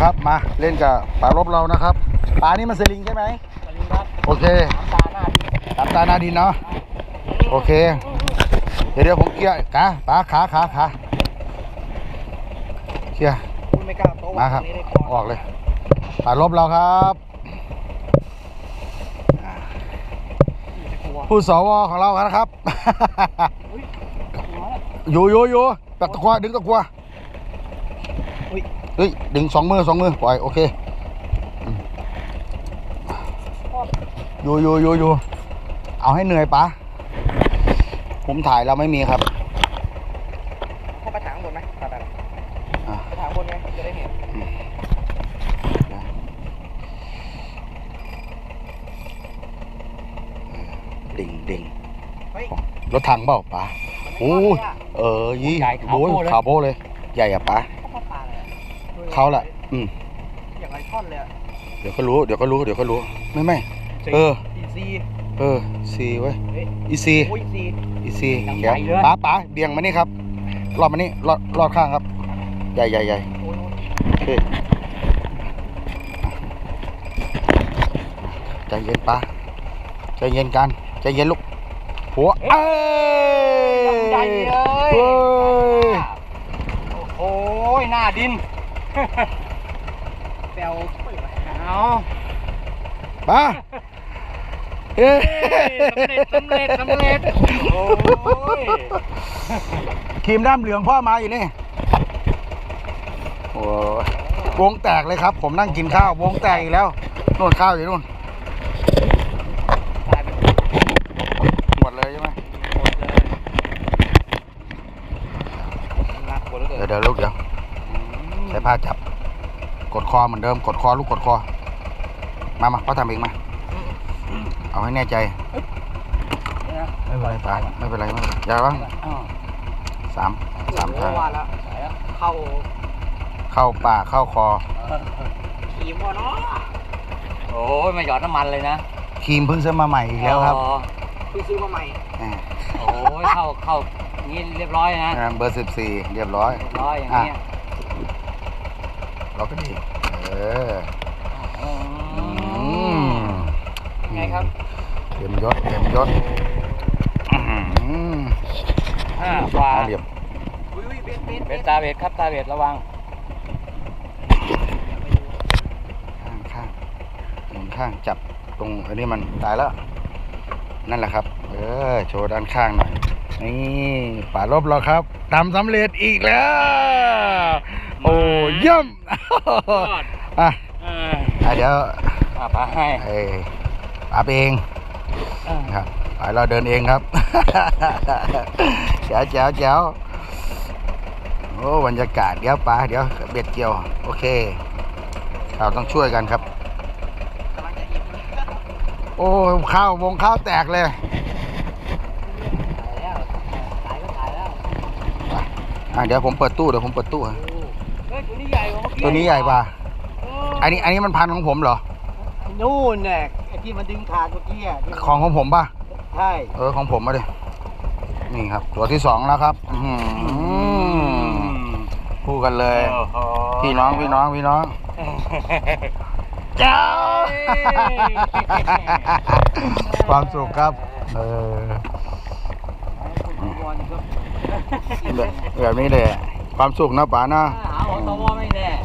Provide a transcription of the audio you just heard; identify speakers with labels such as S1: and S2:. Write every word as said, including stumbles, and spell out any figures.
S1: ครับมาเล่นกับปลารบเรานะครับปลานี่มันสลิงใช่ไหม
S2: สลิงครับ
S1: โอเค
S2: ตาหน้าดิน
S1: ตามตาหน้าดินเนาะโอเคเดี๋ยวเดี๋ยวผมเคลียร์ขาปลาขาขาขาเคลียร์
S2: ไม่กล้าโต๊ะ
S1: มาครับออกเลยปลารบเราครับผู้สวของเราครับอยู่อยู่อยู่ตักตะกัวดึงตะกัวเฮ้ยดึงสองมือสองมือปล่อยโอเคอยู่อยู่อยู่อยู่เอาให้เหนื่อยปะผมถ่ายเราไม่มีครับ
S2: เข้าไปถางบนไหมไปไปไปถางบนไงจะได้เห็น
S1: ดิ่งดิ่งรถถังเปล่าปะโอ้เออยี่โอ้ยขาวโบ้เลยใหญ่อะปะเขาแหละอืม
S2: อย่างไรท่อนเลย
S1: เดี๋ยวก็รู้เดี๋ยวก็รู้เดี๋ยวก็รู้ไม่ไม่เออเออซีไว้อีซีอีซีเดี๋ยวป๋าป๋าเบี่ยงมานี่ครับรอดมานี่รอดรอดข้างครับใหญ่ใหญ่ใหญ่โอเคใจเย็นป๋าใจเย็นกันใจเย็นลูกหัวเอ้
S2: ยใหญ่เลยโอ้ยหน้าดินแปลวเอา
S1: ป๋าเฮ้
S2: ยสำเร็จสำเร็จสำเร็จโอ้ย
S1: ครีมด้ามเหลืองพ่อมาอยู่นี่โอ้วงแตกเลยครับผมนั่งกินข้าววงแตกอีกแล้วนู่นข้าวอยู่นู่นหมดเลยใช่ไหมเดี๋ยวเดี๋ยวลูกเดี๋ยวใส่ผ้าจับกดคอเหมือนเดิมกดคอลูกกดคอมามาพ่อทำเองมาเอาให้แน่ใจไม่เป็นไรป่าไม่เป็นไรไม่เป็นไรอย่าบ้างสามสามทาง
S2: เข้า
S1: เข้าปากเข้าคอ
S2: ครีมวะเนาะโอ้ยมาหยอดน้ำมันเลยนะ
S1: ครีมเพิ่งซื้อมาใหม่อีกแล้วครับ
S2: เพิ่งซื้อมาใหม่โอ้ยเข้าเข้านี่เรียบร้อยนะ
S1: เบอร์สิบสี่เรียบร้อย
S2: เรียบร้อยอย่างนี้
S1: เราก็ดีเออ
S2: ไงครับ
S1: เต็มยศเต็มยศ
S2: ห้าฟ้า
S1: เรียบ
S2: เบ็ดตาเบ็ดครับตาเบ็ดระวัง
S1: ข้างข้างหมุนข้างจับตรงอันนี้มันตายแล้วนั่นแหละครับเออโชว์ด้านข้างหน่อยนี่ป่ารบเราครับทำสำเร็จอีกแล้วโอ้เยี่ยมอ่ะเดี๋ยว
S2: ป่าให้
S1: ป่าไปเองครับป่าเราเดินเองครับแจ๋วแจ๋วแจ๋วโอ้บรรยากาศเดี๋ยวป่าเดี๋ยวเบ็ดเกี่ยวโอเคเราต้องช่วยกันครับโอ้ข้าววงข้าวแตกเลยอ่ะเดี๋ยวผมเปิดตู้เดี๋ยวผมเปิดตู้
S2: ตัวนี้ใหญ่กว่า
S1: ตัวนี้ใหญ่กว่าอันนี้อันนี้มันพันของผมเหรอ
S2: นู่นแหละไอ้ที่มันดึงขาดเมื่อกี้อ่ะ
S1: ของของผมป่ะ
S2: ใช่
S1: เออของผมมาดินี่ครับตัวที่สองแล้วครับคู่กันเลยพี่น้องพี่น้องพี่น้องเจ้าความสุขครับเออแบบนี้เลยความสุขนะป๋านะ